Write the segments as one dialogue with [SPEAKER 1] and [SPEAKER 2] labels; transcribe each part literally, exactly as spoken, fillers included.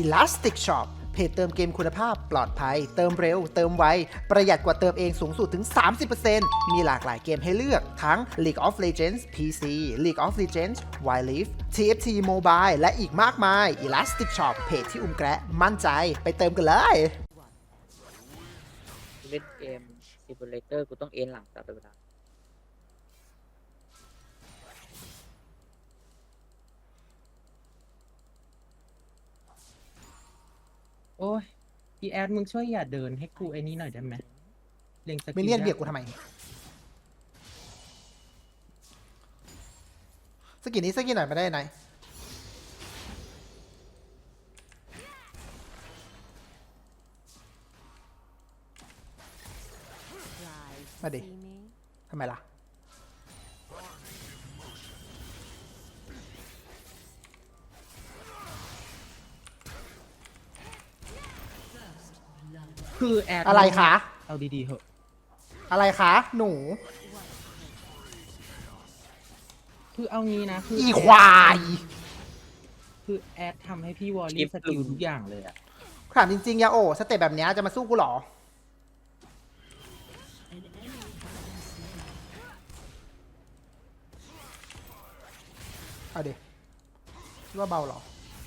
[SPEAKER 1] Elastic Shop เพจเติมเกมคุณภาพปลอดภัยเติมเร็วเติมไวประหยัดกว่าเติมเองสูงสุดถึง สามสิบเปอร์เซ็นต์ มีหลากหลายเกมให้เลือกทั้ง League of Legends พี ซี League of Legends Wild Rift ที เอฟ ที Mobile และอีกมากมาย Elastic Shop เพจที่อุ้มแกะมั่นใจไปเติมกันเลย
[SPEAKER 2] เล่นเกมซิมูเลเตอร์กูต้องเอ็นหลังตลอดเวลา
[SPEAKER 3] โอ้ยพี่แอดมึงช่วยอย่าเดินให้กูไอ้นี้หน่อยได้ไหมเล็งสกิล
[SPEAKER 1] มินเนี่ยนเบียดกูทำไมสกินนี้สกินหน่อยไม่ได้ไหนมาดิทำไมล่ะ
[SPEAKER 3] คือแอด
[SPEAKER 1] อะไรคะ
[SPEAKER 3] เอาดีๆเหอะ
[SPEAKER 1] อะไรคะหนู
[SPEAKER 3] คือเอางี้นะคือ
[SPEAKER 1] อี
[SPEAKER 3] อี
[SPEAKER 1] ควาย
[SPEAKER 3] คือแอดทำให้พี่วอลลี่สกิลทุกอย่างเลยอะ
[SPEAKER 1] ถามจริงๆยาโอสเต็ปแบบเนี้ยจะมาสู้กูเหรอเอาดิคิดว่าเบาเหรอ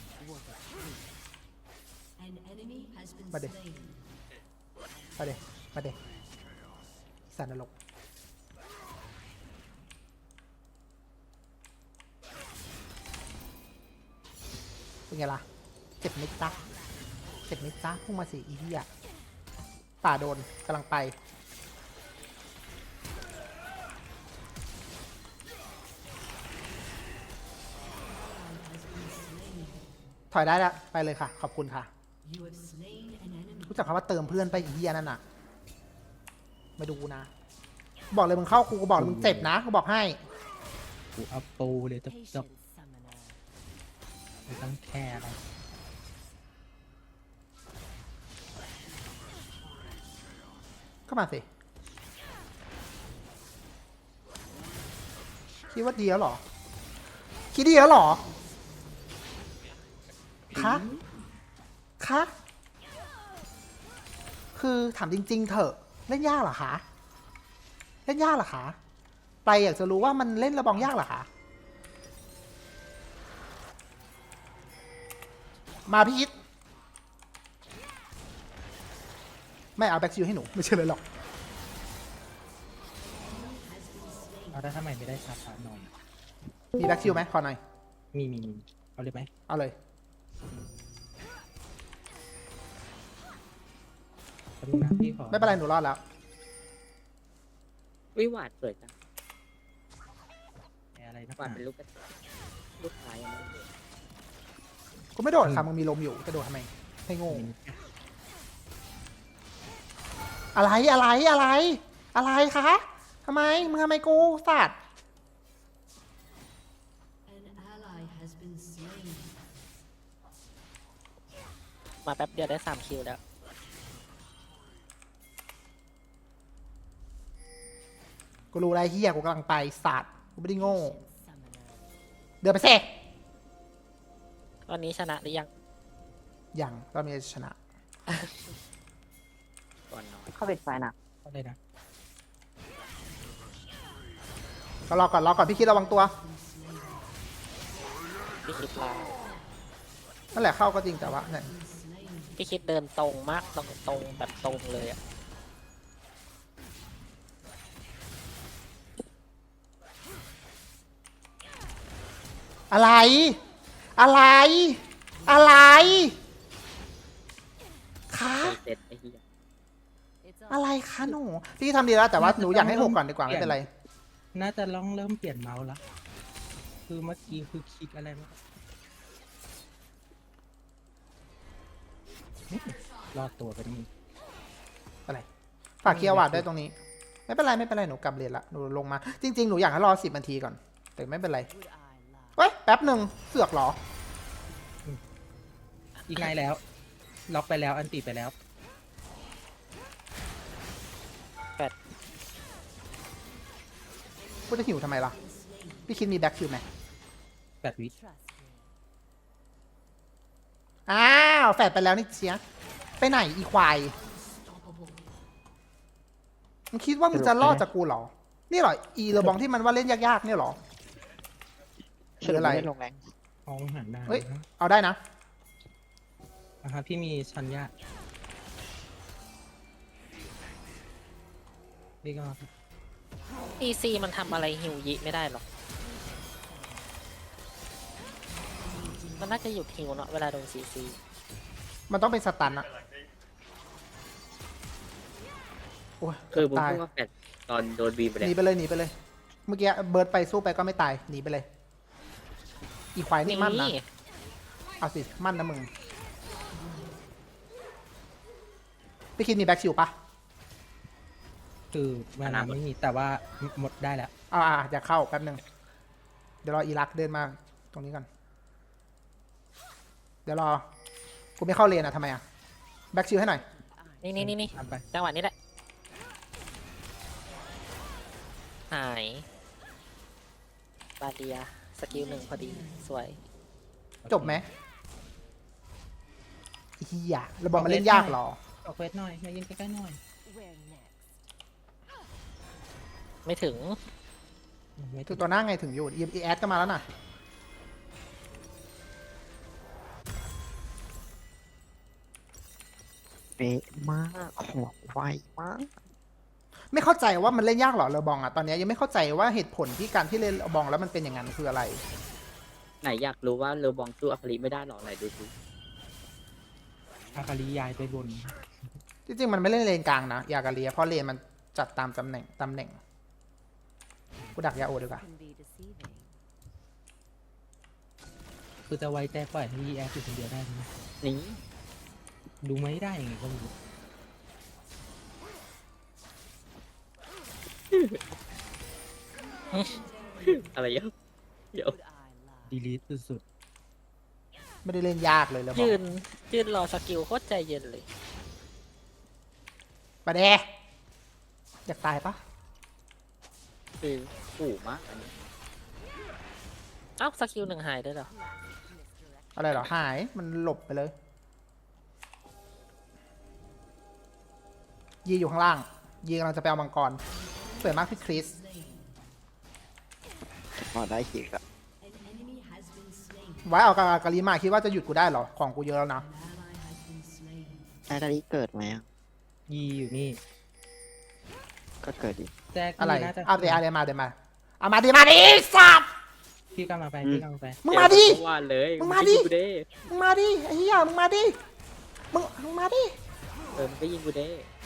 [SPEAKER 1] มาดิมาดิมาดิสันนรกเป็นไงล่ะเจ็บนิดจ้ะเจ็บนิดจ้ะพุ่งมาสิอีเหี้ยป่าโดนกำลังไปถอยได้แล้วไปเลยค่ะขอบคุณค่ะรู้จักคำว่าเติมเพื่อนไปอีเหี้ยนั่นน่ะมาดูนะบอกเลยมึงเข้ากูก็บอกเลยมึงเจ็บนะกูบอกให้
[SPEAKER 3] กูเอาปูเลยจะจะไม่ต้องแคร์อะไร
[SPEAKER 1] เข้ามาสิคิดว่าดีแล้วเหรอคิดดีแล้วเหรอคะคะคือถามจริงๆเถอะเล่นยากเหรอคะเล่นยากเหรอคะไปอยากจะรู้ว่ามันเล่นระบองยากเหรอคะมาพี่อิทไม่เอาแบ็กซิลให้หนูไม่ใช่เลยหรอก
[SPEAKER 3] เอาได้ทำไมไม่ได้ชาร์จหน่อย
[SPEAKER 1] มีแบ็กซิลไหมขอหน่อย
[SPEAKER 3] มีมีมีเอาเลยไหม
[SPEAKER 1] เอาเลย
[SPEAKER 3] แป๊บนึงนะพี่ขอ
[SPEAKER 1] ไม่เป็นไรหนูรอดแล้ว
[SPEAKER 2] วิหวาดสวยจัง
[SPEAKER 3] อะไรนะ
[SPEAKER 2] หวาดเป็นลูกกระจกลูกชายอะไร
[SPEAKER 1] กูไม่โดดค่ะมึงมีลมอยู่จะโดดทำไมให้โง่อะไรอะไรอะไร อะไรคะทำไมมึงทำไมกูสัตว์
[SPEAKER 2] มาแป๊บเดียวได้สามคิวแล้ว
[SPEAKER 1] กูรู้อะไรเฮียกูกำลังไปสัตว์กูไม่ได้โง่เดินไปเซ่
[SPEAKER 2] ตอนนี้ชนะหรือยัง
[SPEAKER 1] ยังก็มีชนะ
[SPEAKER 2] ก่อนนอน
[SPEAKER 4] เข้าปิดไฟนะ
[SPEAKER 3] เอาเลยนะ
[SPEAKER 1] ก็รอก่อนรอก่อนพี่คิดระวังตัว
[SPEAKER 2] พี่คิดลา
[SPEAKER 1] นั่นแหละเข้าก็จริงแต่ว่าเนี่ย
[SPEAKER 2] พี่คิดเดินตรงมากตรงตรงแบบตรงเลยอะ
[SPEAKER 1] อะไร อะไร อะไรคะ
[SPEAKER 2] เสร็จไอ้เหี้ย
[SPEAKER 1] อะไรคะหนูพี่ทำดีแล้วแต่ว่าหนูอยากให้หกก่อนดีกว่าไม่เป็นไร
[SPEAKER 3] น่าจะลองเริ่มเปลี่ยนเมาส์ละคือเมื่อกี้คือคลิกอะไรมารอดตัวไปนี่
[SPEAKER 1] อะไรฝากเคลียร์วาดด้วยตรงนี้ ไม่เป็นไรไม่เป็นไรหนูกลับเรียนละหนูลงมาจริงๆหนูอยากให้รอสิบนาทีก่อนแต่ไม่เป็นไรเฮ้ยแป๊บหนึ่งเสือกเหรอ
[SPEAKER 3] อีกไงแล้ว ล็อกไปแล้วอันติไปแล้ว
[SPEAKER 1] กูจะหิวทำไมล่ะพี่คิดมีแบ็คคิวไหม
[SPEAKER 3] แปดวิ
[SPEAKER 1] อ้าวาวแฟดไปแล้วนี่เชียไปไหนอีควายมึงคิดว่ามึงจะรอดจากกูเหรอนี่เหรออีเรบองที่มันว่าเล่นยากๆเนี่ยเหรอหรืออะไร
[SPEAKER 4] ม่ด้ลงแรง
[SPEAKER 3] มองหันได้
[SPEAKER 1] เฮ้ยเอาได้นะ
[SPEAKER 3] นะครับพี่มีชันยะนี่ก็
[SPEAKER 2] อีซีมันทำอะไรฮิวยิไม่ได้หรอกมันน่าจะหยุดฮิวเนาะเวลาโดนซีซี
[SPEAKER 1] มันต้องเป็นสตันอะโอ้ย
[SPEAKER 4] คือผม
[SPEAKER 1] ตาย
[SPEAKER 4] พูดว่าแฟดตอนโดนบีมไป
[SPEAKER 1] ห
[SPEAKER 4] แล้
[SPEAKER 1] นี
[SPEAKER 4] ว
[SPEAKER 1] ไปเลยหนีไปเลย เมื่อกี้เบิร์ดไปสู้ไปก็ไม่ตายหนีไปเลย อีควายนี่มั่นนะเอาสิมั่นนะมึงพี่คิดมีแบ็กชิลปะ
[SPEAKER 3] คือเวลาไม่มีแต่ว่าหมดได้แล้ว
[SPEAKER 1] อ่าอ่าอยากเข้าแป๊บหนึ่งเดี๋ยวรออีรักเดินมาตรงนี้ก่อนเดี๋ยวรอกูไม่เข้าเลนอ่ะทำไมอ่ะแบ็กชิลให้หน่อย
[SPEAKER 2] นี่นี่นี่นี่
[SPEAKER 3] ทำไป
[SPEAKER 2] จังหวะนี้แหละหายบาเดียสกิลหนึ่งพอดีสวย
[SPEAKER 1] จบไหมเฮียเราบอกมันเล่นยากเหรอ
[SPEAKER 3] ออกเควสหน่อยมายืนใกล้ๆหน่อย
[SPEAKER 2] ไม่ถึง
[SPEAKER 3] ไม่
[SPEAKER 1] ถึงตัวหน้าไงถึงอยู่อีแอดก็มาแล้วน่ะ
[SPEAKER 4] เป๊ะมากของไวมาก
[SPEAKER 1] ไม่เข้าใจว่ามันเล่นยากเหรอเรอบองอ่ะตอนนี้ยังไม่เข้าใจว่าเหตุผลที่การที่เล่นเรอบองแล้วมันเป็นอย่างนั้นคืออะไร
[SPEAKER 4] ไหนอยากรู้ว่าเรือบองสู้อัคริไม่ได้หรอไหนดูดู
[SPEAKER 3] อาคาริยายไปบน
[SPEAKER 1] จริงๆมันไม่เล่นเลนกลางนะยากาเลียเพราะเลนมันจัดตามตำแหน่งตำแหน่งกูดักยาโอดีกว่า
[SPEAKER 3] คือจะไว้ใจปล่อยให้ยีแอฟอยู่คนเดียวได้ไหม
[SPEAKER 4] นี่
[SPEAKER 3] ดูไม่ได้ยังไงก็ไม่รู้
[SPEAKER 4] อะไรเยอะเดี๋ยว
[SPEAKER 3] ดีลีทสุด
[SPEAKER 1] ไม่ได้เล่นยากเลยเรอบอ
[SPEAKER 2] ยื
[SPEAKER 1] ง
[SPEAKER 2] นยืนรอสกิลโคตรใจเย็นเลย
[SPEAKER 1] ปะเดอยากตายปะ
[SPEAKER 4] คือขู่มากอันนี้
[SPEAKER 2] เอ้าสกิลหนึ่งหายด้วยเหรอ
[SPEAKER 1] อะไรเหรอหายมันหลบไปเลย ยีอยู่ข้างล่าง ยีกำลังจะไปเอามังกรสวยมากพี่คริส
[SPEAKER 4] พอได้ขีดอะ
[SPEAKER 1] ไว้เอากากาลีมาคิดว่าจะหยุดกูได้เหรอของกูเยอะแล้วนะ
[SPEAKER 4] อาคาริเกิดไหม
[SPEAKER 3] ๆยีอยู่นี่
[SPEAKER 4] ก็เกิดดิ
[SPEAKER 3] แจ็ค
[SPEAKER 1] อะไร
[SPEAKER 3] น่าจะ
[SPEAKER 1] เอาเดี๋ยวเอาเดี๋ยวมาเดี๋ยวมาเอามาดิมาดิสับ
[SPEAKER 3] พี่กำลังไปพี่กำลังไป
[SPEAKER 1] มึงมาดิ
[SPEAKER 4] เอวานเลย
[SPEAKER 1] มึงมาดิ
[SPEAKER 4] ยิกูเด้
[SPEAKER 1] มึงมาดิไอ้เหี้ยมึงมาดิมึงมึงมาดิ
[SPEAKER 4] เออมันก็ยิงกูเด้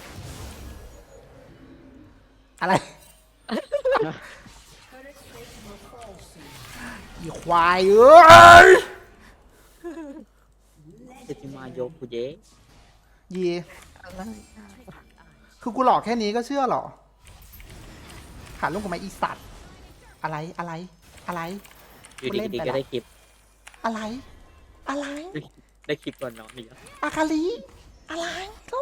[SPEAKER 1] อะไร อีควายเอ้ย
[SPEAKER 4] เจติมาโยกูเย้
[SPEAKER 1] ยีคือกูหลอกแค่นี้ก็เชื่อเหรอหาลูกกับไม้อีสัตว์อะไรอะไรอะไร
[SPEAKER 4] อยู่
[SPEAKER 1] กูเล่น
[SPEAKER 4] ดี
[SPEAKER 1] ไป
[SPEAKER 4] ๆก็
[SPEAKER 1] ละ
[SPEAKER 4] ได้คลิป
[SPEAKER 1] อะไร อะไร
[SPEAKER 4] ได้คลิปก่อนน้องนี่
[SPEAKER 1] อาคาลีอะไรก็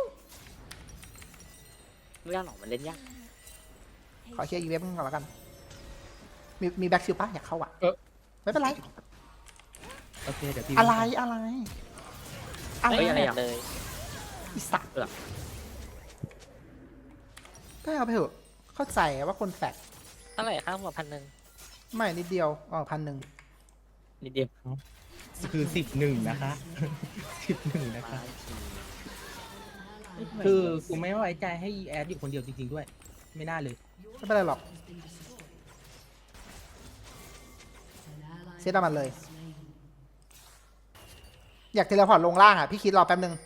[SPEAKER 4] ไม่ยากหรอกมันเล่นยาก
[SPEAKER 1] ขอเคลียร์อีเวนต์ก่อนแล้วกัน มีมีแบ็กซิลปะอยากเข้าอ่ะไม่เป็นไร
[SPEAKER 3] โอเคเดี๋ยวพี่
[SPEAKER 1] อะไรอะไรอะไร
[SPEAKER 2] ไม่เห็นเลย
[SPEAKER 1] อีสัตว์ก็เอาไปเถอะเข้าใจว่าคนแฟก
[SPEAKER 2] เท่าไหร่ค่าหัวพันหนึ่ง
[SPEAKER 1] ไม่นิดเดียวอ๋อพันหนึ่ง
[SPEAKER 4] นิดเดียว
[SPEAKER 3] คือสิบหนึ่งนะคะสิบหนึ่งนะคะ
[SPEAKER 4] คื
[SPEAKER 3] คือ อกูไม่ไว้ใจให้ยีแอฟอยู่คนเดียวจริงๆด้วย ไม่น่าเลย
[SPEAKER 1] ไม่เป็นไรหรอกเซตเอามันเลย อยากเทเลพอร์ตลงล่างอ่ะ พี่คิดรอแป๊บนึง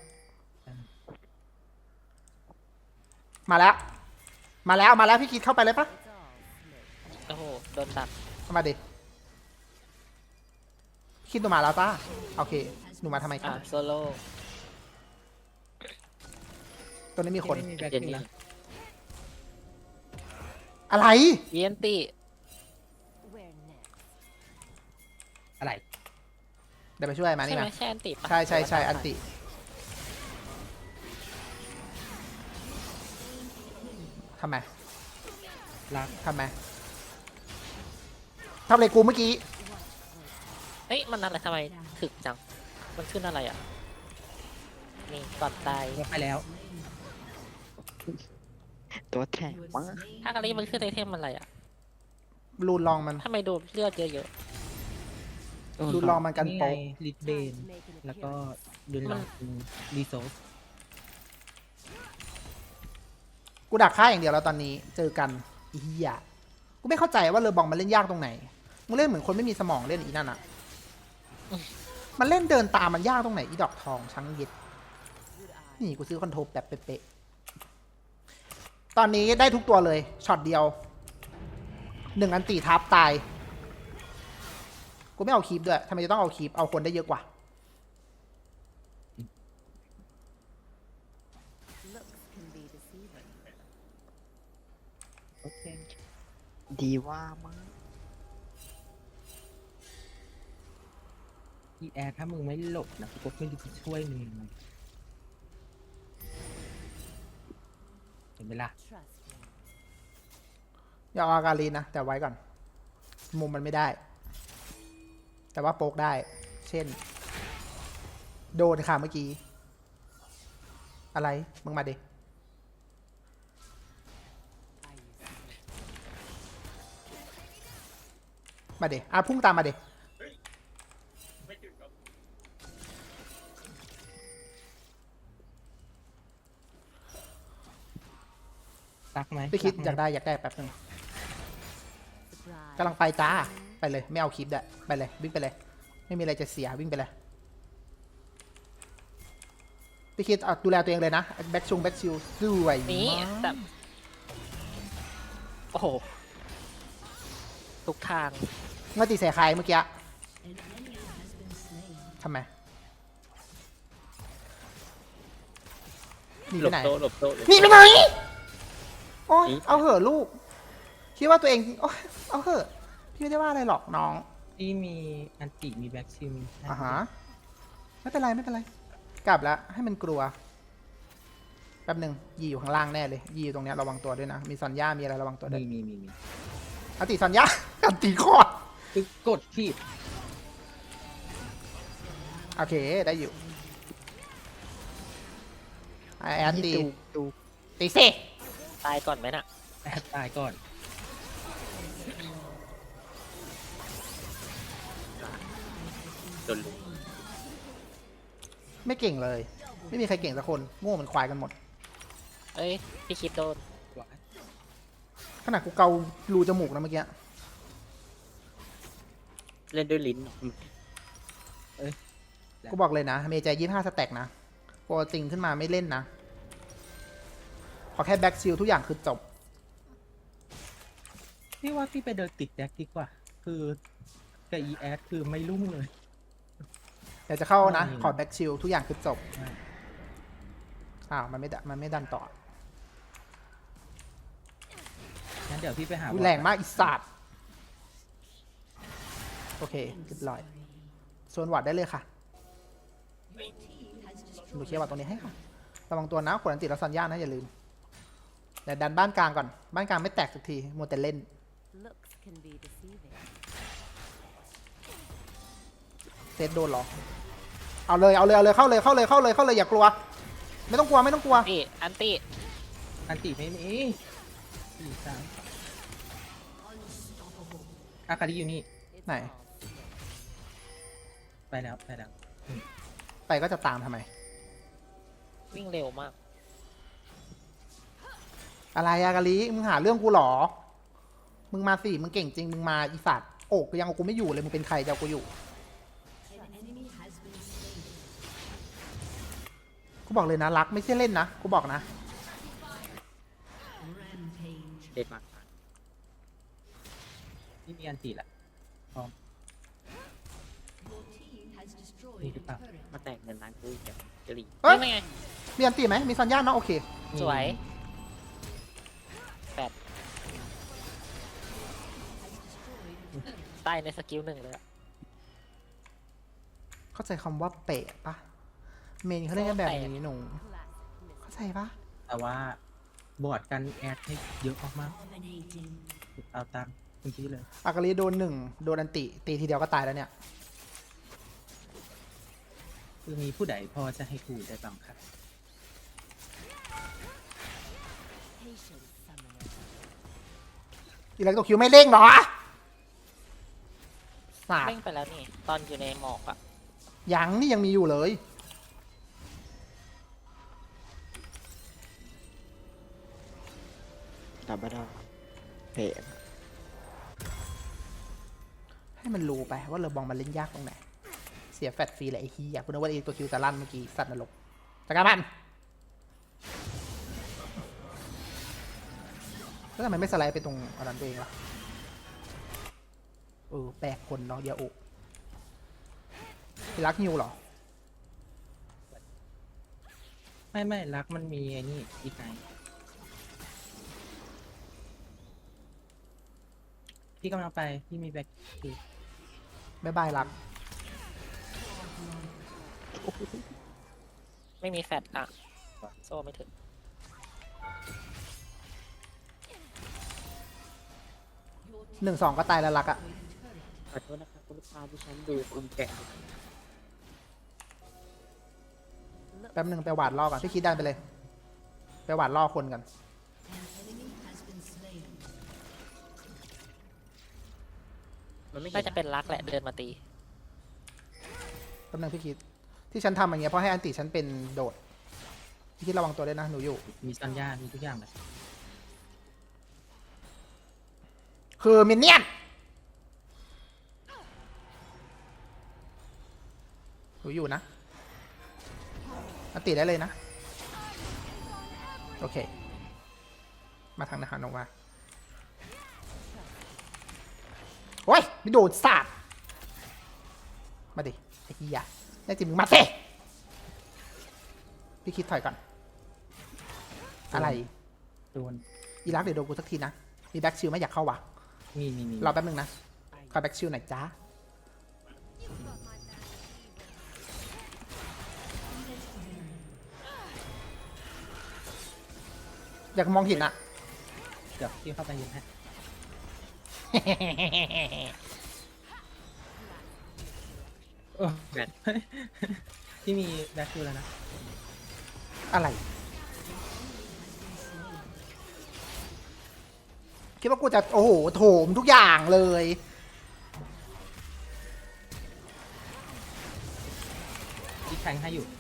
[SPEAKER 1] มาแล้ว มาแล้วมาแล้วพี่คิดเข้าไปเลยปะ
[SPEAKER 2] โอ้โหโดนตัด
[SPEAKER 1] เข้ามาดิคิดหนูมาแล้วจ้าโอเค หนูมาทำไมค
[SPEAKER 2] อ่ะ
[SPEAKER 1] รับ
[SPEAKER 2] โซโล่
[SPEAKER 1] ตัวนี้มีคน
[SPEAKER 3] ไม่มีแบ็ค
[SPEAKER 4] เจน
[SPEAKER 3] ซิล
[SPEAKER 4] นี่
[SPEAKER 3] นะ
[SPEAKER 1] อะไร
[SPEAKER 2] เยียนติ
[SPEAKER 3] อะไร
[SPEAKER 1] เดี๋ยวไปช่วยมา
[SPEAKER 2] ใช่
[SPEAKER 1] นี่
[SPEAKER 2] ไหม
[SPEAKER 1] มา
[SPEAKER 2] ใช่อันติปะ
[SPEAKER 1] ใช่ใช่ใช่อันติทำไม
[SPEAKER 3] รัก
[SPEAKER 1] ทำไมทำอะไรกูเมื่อกี้
[SPEAKER 2] เฮ้ยมันอะไรทำไมถึกจัง มันขึ้นอะไรอ่ะนี่ก่อนตาย
[SPEAKER 3] ลงไปแล้ว
[SPEAKER 4] ตัวแข็งมาก
[SPEAKER 2] ถ้าอาลีมันขึ้นไอเทมอะไรอ่ะ
[SPEAKER 1] รูนลองมัน
[SPEAKER 2] ทำไมดูเลือดเยอะ
[SPEAKER 1] รูนลองมันกัน
[SPEAKER 3] นี่ไง
[SPEAKER 1] โป๊ก
[SPEAKER 3] ลิดเบน แล้วก็ดุนลองรีโซส
[SPEAKER 1] กูดักฆ่าอย่างเดียวแล้วตอนนี้เจอกันอีเหี้ยกูไม่เข้าใจว่าเรือบองมันเล่นยากตรงไหนมึงเล่นเหมือนคนไม่มีสมองเล่นอีนั่นอะมันเล่นเดินตามมันยากตรงไหนอีดอกทองช้างเย็ดนี่กูซื้อคอนโทรลแบบเป๊ะๆตอนนี้ได้ทุกตัวเลยช็อตเดียวหนึ่งอันตีทับตายกูไม่เอาคีปด้วยทำไมจะต้องเอาคีปเอาคนได้เยอะกว่า
[SPEAKER 3] โอเค
[SPEAKER 4] ดีว่ามาก
[SPEAKER 3] พี่แอดถ้ามึงไม่หลบนะกูก็ไม่รู้จะช่วยมึงยังไงเห็นไหมล่ะ
[SPEAKER 1] อย่าเอาอาการีนนะ แต่ไว้ก่อน มุมมันไม่ได้ แต่ว่าโป๊กได้ เช่น โดนค่ะเมื่อกี้ อะไร มึงมาดิมาเดอ่ะพุ่งตามมาเด
[SPEAKER 3] รักไหม
[SPEAKER 1] พี่คิด
[SPEAKER 3] รักหม
[SPEAKER 1] อยากได้อยากได้แป๊บนึงกำลังไปจ้า ไปเลย ไม่เอาคลิปด้วยไปเลย วิ่งไปเลย ไม่มีอะไรจะเสียวิ่งไปเลย พี่คิดเอาดูแลตัวเองเลยนะ แบ็กชงแบ็กชิลสวย
[SPEAKER 2] ๆนี่
[SPEAKER 1] มาก
[SPEAKER 2] แต่โอ้โหทุกทาง
[SPEAKER 1] เมื่อตีใส่ใครเมื่อกี้ทำไมหนี
[SPEAKER 4] หล
[SPEAKER 1] ไป
[SPEAKER 4] บ
[SPEAKER 1] ไหน
[SPEAKER 4] โตะหลบโตะหลบ
[SPEAKER 1] หนี
[SPEAKER 4] โต๊ะ
[SPEAKER 1] ไปไหนโอ้ย
[SPEAKER 4] หนี
[SPEAKER 1] เอาเหอะลูก คิดว่าตัวเองโอ้ยเอาเหอะพี่ไม่ได้ว่าอะไรหรอกน้อง
[SPEAKER 3] ที่มีอันติมีแบ็กชิม
[SPEAKER 1] อ่าฮะไม่เป็นไรไม่เป็นไร กลับแล้วให้มันกลัว แป๊บหนึ่งยีอยู่ข้างล่างแน่เลย ยีอยู่ตรงเนี้ยระวังตัวด้วยนะ มีซอนย่ามีอะไรระวังตัวด้วย
[SPEAKER 3] มีมีมีมี
[SPEAKER 1] อติซอนย่า อันตีคอด
[SPEAKER 3] คือกดผิด
[SPEAKER 1] โอเคได้อยู่ไอแอนตี
[SPEAKER 4] ดูดู
[SPEAKER 1] ตีเซ่
[SPEAKER 2] ตายก่อนไหมน่ะ
[SPEAKER 3] แอดตายก่อน
[SPEAKER 4] โดนลุม
[SPEAKER 1] ไม่เก่งเลย ไม่มีใครเก่งสักคนโง่เหมือนควายกันหมด
[SPEAKER 2] เอ้ยพี่คิดโดน
[SPEAKER 1] ขนาดกูเการูจมูกนะเมื่อกี้
[SPEAKER 4] เล่นด้วยลิ้น
[SPEAKER 1] กูบอกเลยนะ เมย์ใจยี่ห้าสแต็กนะโปรจริงขึ้นมาไม่เล่นนะ ขอแค่แบ็กซิลทุกอย่างคือจบ
[SPEAKER 3] พี่ว่าพี่ไปเดินติดแดกดีกว่า คือกับอีแอดคือไม่รุ่งเลย
[SPEAKER 1] เดี๋ยวจะเข้านะ
[SPEAKER 3] อืม
[SPEAKER 1] ขอแบ็กซิลทุกอย่างคือจบ
[SPEAKER 3] ใช่
[SPEAKER 1] อ้าวมันไม่ดมันไม่ดันต่อ
[SPEAKER 3] งั้นเดี๋ยวพี่ไปหา
[SPEAKER 1] อุ๊ยแรงมากอีสัตว์โอเคเรียบร้อยโซนวัดได้เลยค่ะดูเคลียร์วัดตรงนี้ให้ค่ะ ระวังตัวนะขวดอันติดแล้วซันย่านะอย่าลืมเดี๋ยวดันบ้านกลางก่อน บ้านกลางไม่แตกสักทีมัวแต่เล่น เซตโดนหรอ เอาเลยเอาเลยเอาเลยเข้าเลยเข้าเลยเข้าเลยเข้าเลยอย่ากลัว ไม่ต้องกลัวไม่ต้องกลัว
[SPEAKER 2] นี่อันตี้
[SPEAKER 3] อันติไม่มีสี่สามอาคาริอยู่นี่
[SPEAKER 1] ไหน
[SPEAKER 3] ไปแล้วไปแล้ว
[SPEAKER 1] ไปก็จะตามทำไม
[SPEAKER 2] วิ่งเร็วมาก
[SPEAKER 1] อะไรอะกะลิมึงหาเรื่องกูเหรอ มึงมาสิ มึงเก่งจริง มึงมาอีสัตว์โอกยังเอากูไม่อยู่เลย มึงเป็นใครจะเอากูอยู่ กูบอกเลยนะรักไม่ใช่เล่นนะ กูบอกนะ
[SPEAKER 4] เด็ดมาก
[SPEAKER 3] นี่มีอันติแหละพร้อมมีหรือเปล่า
[SPEAKER 4] มาแต่งเงินร้านกูอีกแล้วจะหลี
[SPEAKER 1] เอ้ย
[SPEAKER 2] นี่ไง
[SPEAKER 1] มีอันตีไหม มีซันย่าเนาะโอเค
[SPEAKER 2] สวยแปดตายในสกิลหนึ่งเลยอะ
[SPEAKER 1] เข้าใจคำว่าเปะปะเมนเขาเล่นกันแบบนี้หนู เข้าใจปะ
[SPEAKER 3] แต่ว่าบอร์ดกันแอดให้เยอะมากๆเอาตามคุณที่เลย
[SPEAKER 1] อากาลีโดนหนึ่งโดนอันติ ตีทีเดียวก็ตายแล้วเนี่ย
[SPEAKER 3] คือมีผู้ใดพอจะให้กูได้บ้างครับ
[SPEAKER 1] อีเล็กโตคิวไม่เร่งเหรอสาด
[SPEAKER 2] เร่งไปแล้วนี่ ตอนอยู่ในหมอกอะ
[SPEAKER 1] ยังนี่ยังมีอยู่เลย
[SPEAKER 5] ดับไม่ได้เพะ
[SPEAKER 1] ให้มันรู้ไปว่าเลอบองมันเล่นยากตรงไหน เสียแฟตฟรีแหละไอ้ฮียคุณนึกว่าไอ้ตัวคิวจะลั่นเมื่อกี้สัตว์นรกจักรมันแล้วทำไมไม่สไลด์ไปตรงอันนั้นตัวเองล่ะเออแปลกคนเนาะเดียวโอพี่รักฮิวเหรอ
[SPEAKER 3] ไม่ไม่รักมันมีไอ้นี่อีกไงพี่กำลังไปพี่มีแบ็คที
[SPEAKER 1] บ๊ายบายรัก
[SPEAKER 2] ไม่มีแฟดอะโซ่ไม่ถึง
[SPEAKER 1] หนึ่งสองก็ตายแล้วรักอะ
[SPEAKER 4] ขอโทษนะครับคุณลูกค้าที่ฉันดูอุ้มแกะ
[SPEAKER 1] แป๊บหนึ่งไปหวาดล่อก่อนพี่คิดดันไปเลย ไปหวาดล่อคนกัน
[SPEAKER 4] มันไม่เห็
[SPEAKER 2] น่าน จะเป็นรักแหละเดินมาตี
[SPEAKER 1] แป๊บหนึงพี่คิด ที่ฉันทำอย่างเงี้ยเพราะให้อันติฉันเป็นโดด พี่คิดระวังตัวด้วยนะหนูอยู่
[SPEAKER 3] มีซันย่ามีทุกอย่างเลย
[SPEAKER 1] คือมินเนี่ยนหนูอยู่นะอันติได้เลยนะ โอเค มาทางนะคะน้องว่าโอ้ยไม่โดนสาดมาดิ ไอ้ขี้ยาแน่จริงมึงมาสิพี่คิดถอยก่อน อะไร
[SPEAKER 3] โดน
[SPEAKER 1] อีรักเดี๋ยวโดนกูสักทีนะ มีแบ็กชิลไหม่อยากเข้าวะ
[SPEAKER 3] มีมีมี
[SPEAKER 1] รอแป๊บนึงนะคอยแบ็กชิลหน่อยจ้าอยากมองเห็นอะ
[SPEAKER 3] เดี๋ยวพี่เข้าไปยิงให้เออ
[SPEAKER 4] แบต
[SPEAKER 3] พี่มีแบ็คทีแล้วนะ
[SPEAKER 1] อะไร คิดว่ากูจะ โอ้โห โถมทุกอย่างเลย
[SPEAKER 3] พี่แทงให้อยู่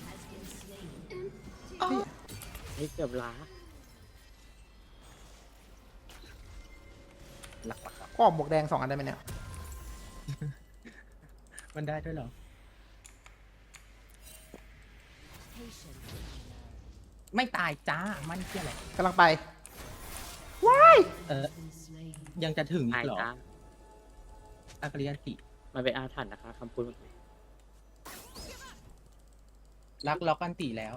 [SPEAKER 4] นี่เกือบล้า
[SPEAKER 3] หลักหลักหลัก
[SPEAKER 1] ก็ออกบวกแดงสองอันได้ไหมเนี่ย
[SPEAKER 3] มันได้ด้วยเหรอ ไม่ตายจ้า มันเที่ยอะไร
[SPEAKER 1] กำลังไป ว้าย
[SPEAKER 3] เออ ยังจะถึงอี
[SPEAKER 4] ตาย
[SPEAKER 3] กเหรอ
[SPEAKER 4] จ้า
[SPEAKER 3] อากริยันติ
[SPEAKER 4] มันเป็นอาถรรพ์นะคะคำพูดเมื่อกี้
[SPEAKER 3] รักล็อกอันติแล้ว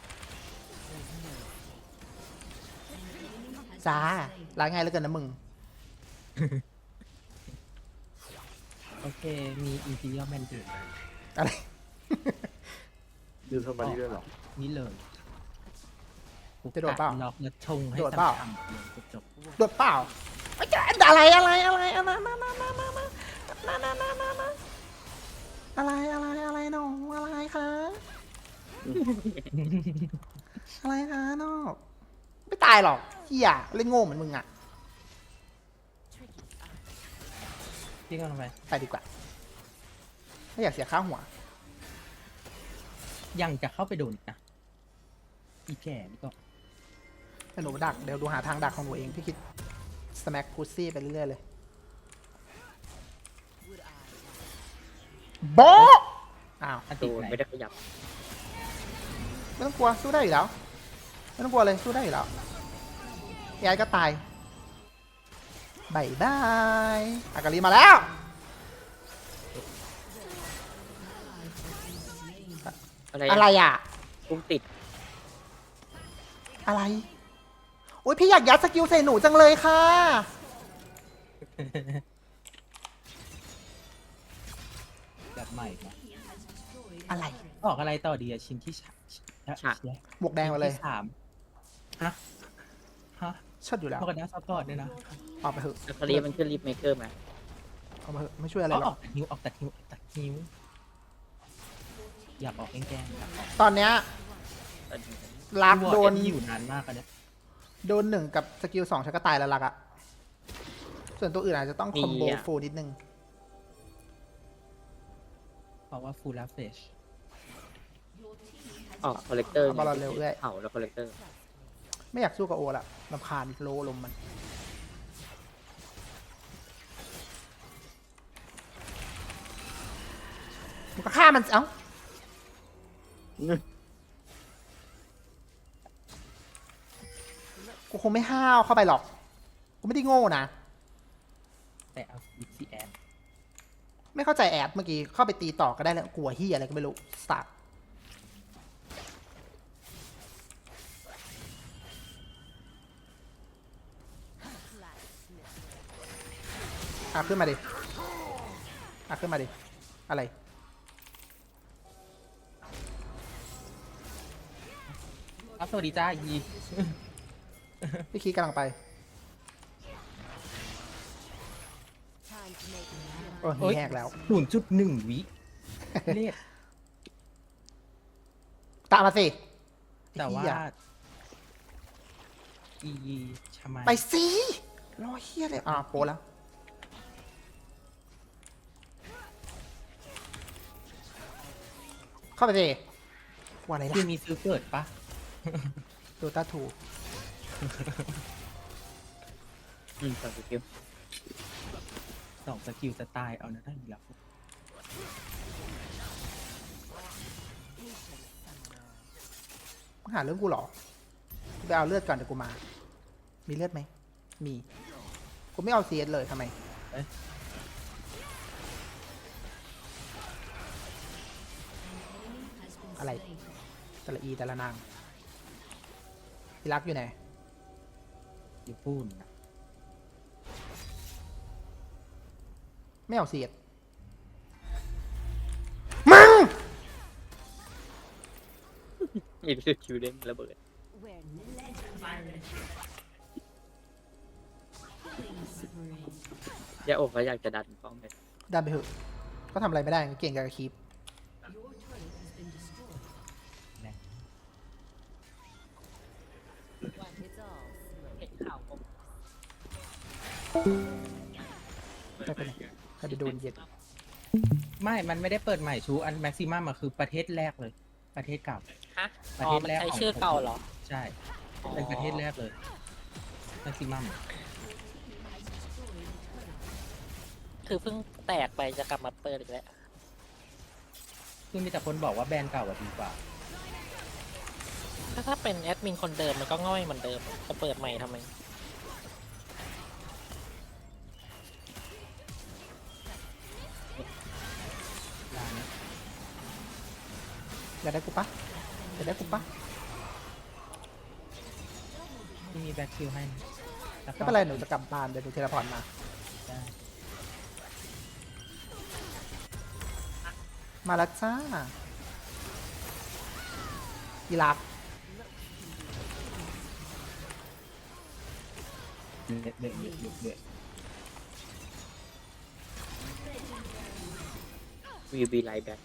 [SPEAKER 1] จ้าล้างง่ายเหลือเกินนะมึง
[SPEAKER 3] โอเค มีอินทีเรียลแมนเดอร์
[SPEAKER 1] อะไร
[SPEAKER 5] ดูทำไมด้วยหรอ
[SPEAKER 3] นี่เลย
[SPEAKER 1] จะโดดเปล่า
[SPEAKER 3] ล็อกแล้วชงให้
[SPEAKER 1] โดดเปล่า
[SPEAKER 3] ซ้ำๆเลยจบ
[SPEAKER 1] โดดเปล่าไอ้ยอะไรอะไรอะไรอะไรมามามามามามามามามามาอะไรอะไรอะไรน้องอะไรคะอะไรคะน้องไม่ตายหรอกเฮียเล่นโง่เหมือนมึงอ่ะ
[SPEAKER 3] ๆพี่กำลังไป
[SPEAKER 1] ไปดีกว่าไม่อยากเสียค่าหัว
[SPEAKER 3] ยังจะเข้าไปโดนอีกนะอีแก่นี่ก็
[SPEAKER 1] ให้หนูดักเดี๋ยวดูหาทางดักของหนูเองพี่คิดสแม็กพุซซี่ไปเรื่อยๆเลยโบะอ้าว
[SPEAKER 3] อัน
[SPEAKER 4] โด
[SPEAKER 3] ติ
[SPEAKER 4] น
[SPEAKER 3] ไหน
[SPEAKER 4] ไม่ได้ขยับ
[SPEAKER 1] ไม่ต้องกลัวสู้ได้อยู่แล้วไม่ต้องกลัวเลยสู้ได้อยู่แล้วยายก็ตายบายบายอากาลีมาแล้ว
[SPEAKER 4] อะไร
[SPEAKER 1] อะไรอ่ะ
[SPEAKER 4] พุ่งติด
[SPEAKER 1] อะไรโอ้ยพี่อยากยัดสกิลใส่หนูจังเลยค่ะ
[SPEAKER 3] แบบใหม่นะ
[SPEAKER 1] อะไร
[SPEAKER 3] ออกอะไรต่อดีอะชิ้นที่ฉะ
[SPEAKER 4] ฉะ
[SPEAKER 1] บวกแดงมาเลย
[SPEAKER 3] ชิ้นที่สามฮะฮะ
[SPEAKER 1] เชิดอยู่แล้ว
[SPEAKER 3] พวกกันนะซัพพอร์ตด้วยนะ
[SPEAKER 1] ออกไปเถอะ
[SPEAKER 4] อัคารีมันคือรีบเมเกอร์ไหม
[SPEAKER 1] ออกมาเถอะไม่ช่วยอะไร
[SPEAKER 3] อ๋อ
[SPEAKER 1] หร
[SPEAKER 3] อ
[SPEAKER 1] อ
[SPEAKER 3] อก กตัดนิ้วออกตัดนิ้วออกตัดนิ้วอยากออกแกล้งๆอยากออก
[SPEAKER 1] ตอนเนี้ยลักโดน
[SPEAKER 3] ที่อยู่นานมากอะเนี่ย
[SPEAKER 1] โดนหนึ่งกับสกิลสองฉันก็ตายแล้วลักอะส่วนตัวอื่นอาจจะต้องคอมโบ
[SPEAKER 4] มีอะ
[SPEAKER 1] ฟูลนิดนึง
[SPEAKER 3] เพราะว่าฟูลเฟช
[SPEAKER 4] ออกคอลเลกเตอร์
[SPEAKER 1] เอาบอลเราเร็วเอ้ย
[SPEAKER 4] เผาแล้วคอลเลกเตอร์
[SPEAKER 1] ไม่อยากสู้กับโอละรำคาญโลลมมัน มันก็ฆ่ามันสิเอ้า กูคงไม่ห้าวเข้าไปหรอก กูไม่ได้โง่นะ
[SPEAKER 3] แต่เอาวิซีแอน
[SPEAKER 1] ไม่เข้าใจแอดเมื่อกี้ เข้าไปตีต่อก็ได้แล้วกลัวเฮียอะไรก็ไม่รู้สตาร์ทอ่ะขึ้นมาดิอ่ะขึ้นมาดิ อะไร
[SPEAKER 3] อัพสวัสดีจ้ายี
[SPEAKER 1] พี่คีกำลังไป โอ้ย
[SPEAKER 3] โอ้ย
[SPEAKER 1] แหกแล้ว
[SPEAKER 3] ศูนย์จุดหนึ่งวิเลข
[SPEAKER 1] ตามมาสิ
[SPEAKER 3] แต่ว่า
[SPEAKER 1] เหี้ย
[SPEAKER 3] อีชามา
[SPEAKER 1] ไปสิรอเฮียเลยอ่ะโปรแล้ว เข้าไปสิว่าอะไรล่ะ
[SPEAKER 3] คือมีซื้อเกิดปะ
[SPEAKER 1] โดตาทู
[SPEAKER 4] อืมสองสกิล
[SPEAKER 3] สองสกิลสไตล์เอานะได้อีกแล้ว
[SPEAKER 1] มึงหาเรื่องกูเหรอกูไปเอาเลือดก่อนเดี๋ยวกูมา มีเลือดไหม มี กูไม่เอาเซียสเลยทำไม
[SPEAKER 3] เอ๊ะ
[SPEAKER 1] อะไร แต่ละอีแต่ละนางพี่รักอยู่ไหน
[SPEAKER 3] อยู่พูน
[SPEAKER 1] ไม่เอาเซียสมึง
[SPEAKER 4] มีรู้สึกคิวเด้งระเบิดยาอกก็อยากจะดันป้อมไป
[SPEAKER 1] ดันไปเถอะก็ทำอะไรไม่ได้เก่งกับคีป
[SPEAKER 2] เห็นข่าวผม
[SPEAKER 1] ไม่เป็นไรใครไปโดนเย็ด
[SPEAKER 3] ไม่ มันไม่ได้เปิดใหม่ชูอันแม็กซิมัมอะคือประเทศแรกเลย ประเทศเก่า
[SPEAKER 2] ฮะ
[SPEAKER 3] ประ
[SPEAKER 2] อ๋
[SPEAKER 3] เท
[SPEAKER 2] อ
[SPEAKER 3] ศ
[SPEAKER 2] มัน
[SPEAKER 3] แรก
[SPEAKER 2] ใช้
[SPEAKER 3] ของ
[SPEAKER 2] ชื่อเก่าเหรอ
[SPEAKER 3] ใช่ เป็นประเทศแรกเลยแม็กซิมัม
[SPEAKER 2] คือเพิ่งแตกไปจะกลับมาเปิดอีกแล้ว
[SPEAKER 3] คือมีแต่คนบอกว่าแบรนด์เก่าอะดีกว่า
[SPEAKER 2] ถ้าถ้าเป็นแอดมินคนเดิมมันก็ง่อยเหมือนเดิมจะเปิดใหม่ทำไม
[SPEAKER 3] ร้านนี้
[SPEAKER 1] อยากได้กูปะอยากได้กูปะ
[SPEAKER 3] ที่มีแบ็คคิวให้นะแล้วก็
[SPEAKER 1] ไม่เป็นไรหนูจะกลับบ้านเดี๋ยวหนูเทเลพอร์ตมา
[SPEAKER 3] ได้
[SPEAKER 1] มาแล้วจ้าอีรัก
[SPEAKER 3] เด็ดเด็ดเด็ดเด็ดเด็ด
[SPEAKER 4] วีบีไลท์แบ็ค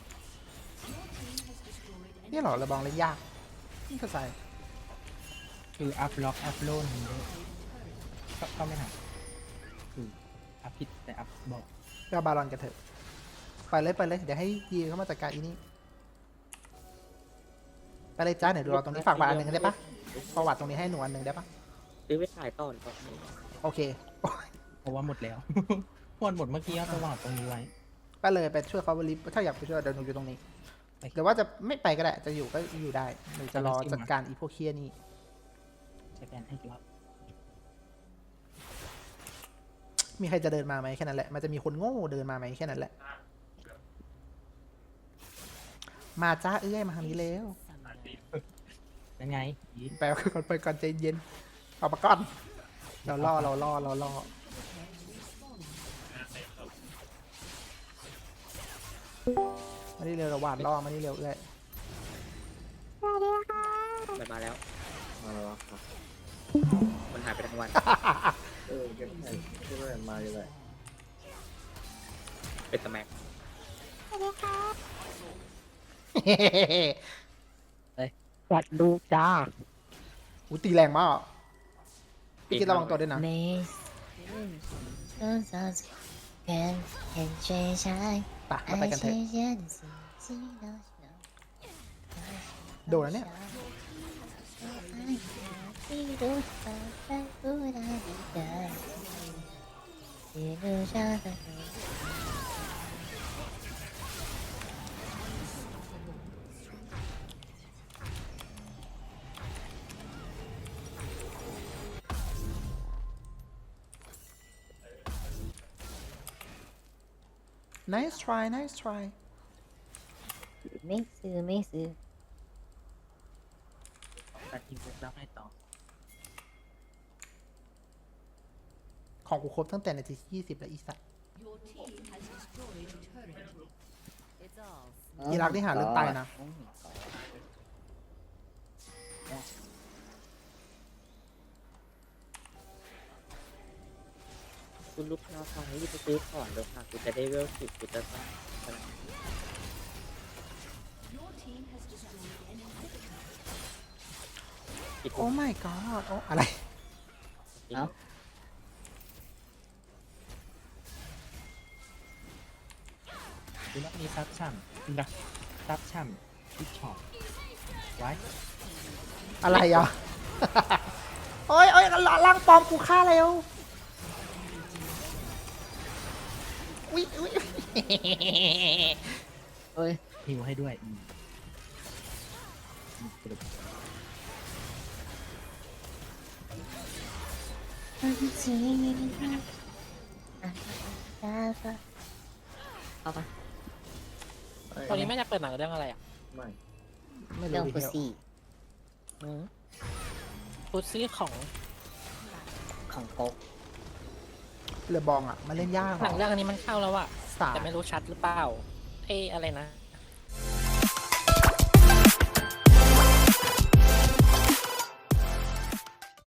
[SPEAKER 1] นี่เหรอระบองเล่นยากไม่เข้าใจ
[SPEAKER 3] คืออัพล็อกอัพโลนด้วยก็ก็ไม่หักคืออัพผิดแต่อัพบอก
[SPEAKER 1] ไปเอาบาลอนกันเถอะ ไปเลยไปเลย เดี๋ยวให้ยีเข้ามาจัดการอีนี่ ไปเลยจ้าเดี๋ยวดูเราตรงนี้ฝากบาทอันหนึ่งได้ปะประวัติตรงนี้ให้หนูอันหนึ่งได้ปะ
[SPEAKER 4] ซื้อไปขายต่อหรือเปล่า
[SPEAKER 1] โอเค
[SPEAKER 3] เพราะว่าหมดแล้ว หมดหมดเมื่อกี้เอาไปวางตรงนี้ไว้
[SPEAKER 1] ไปเลยไปช่วยเขาบริฟถ้าอยากไปช่วยเดี๋ยวหนูอยู่ตรงนี้
[SPEAKER 3] ไป
[SPEAKER 1] เดี๋ยวว่าจะไม่ไปก็ได้ จะอยู่ก็อยู่ได้หนูจะรอจัดการอีพวกเคียนี่
[SPEAKER 3] ใช้แบรนด์ให้กี่รอบ
[SPEAKER 1] มีใครจะเดินมาไหมแค่นั้นแหละ มันจะมีคนโง่เดินมาไหมแค่นั้นแหละ มาจ้าเอ้ยมาทางนี้แล้ว
[SPEAKER 3] ยังไงยี
[SPEAKER 1] ไปก่อนไปก่อนใจเย็นเอามาก่อนเราล่อเราล่อเราล่อมานี่เร็วเราหวานล่อมานี่เร็วเอ้ย
[SPEAKER 4] มันมาแล้ว
[SPEAKER 5] มาแล้วครับ
[SPEAKER 4] มันหายไปทั้งวัน
[SPEAKER 5] เออเก็บให้ที่แม่มาอยู่เลย
[SPEAKER 4] เป็นสแมัก
[SPEAKER 3] วัดลูกจ้า
[SPEAKER 1] อูตีแรงมาก พี่คิดระวังตัวด้วยนะ
[SPEAKER 2] ไม่ต้องสนใจแค่เห็นใจใช่
[SPEAKER 1] ไปเราไปกันเถอะ โดนแล้วเนี่ย nice try nice try
[SPEAKER 2] ไม่ซื้อไม่ซื้อ
[SPEAKER 3] ตัดทิ้งไปแล้วให้ต่อ
[SPEAKER 1] ของกูครบตั้งแต่นาทีที่ยี่สิบแล้วอีสัตว์อีรักที่หาเรื่องตายนะ
[SPEAKER 4] คุณลูกค้าฟังรีบไปซื้อของเลยค่ะกูจะได้เวลสิบกูจะต้อง
[SPEAKER 1] โอ้ my god โอ้อะไร
[SPEAKER 4] เอ้า
[SPEAKER 3] ดูแล้วมีซับช่ำนะซับช่ำที่ช็อปไว้
[SPEAKER 1] อะไรอ่ะ โอ้ยโอ้ยล่างปลอมกูฆ่าแล้วอุ้ยอุ้ย
[SPEAKER 3] เอ้ยฮิวให้ด้วยอืมอืมกระดูก
[SPEAKER 2] เอาปะ
[SPEAKER 5] ไม่
[SPEAKER 2] ตอนนี้แม่จะเปิดหนังเรื่องอะไรอ่ะ
[SPEAKER 5] ไม่
[SPEAKER 1] ไม่
[SPEAKER 2] เรื่อง
[SPEAKER 1] รู้
[SPEAKER 2] พุ
[SPEAKER 1] ดิ
[SPEAKER 2] ซี่
[SPEAKER 6] พุซี่ของ
[SPEAKER 2] ของโก๊ก
[SPEAKER 1] เรือบองอ่ะ มันเล่นยาก
[SPEAKER 6] หนังเรื่องอันนี้มันเข้าแล้วอะ
[SPEAKER 1] สา
[SPEAKER 6] แต่ไม่รู้ชัดหรือเปล่าเอ้อะไรนะ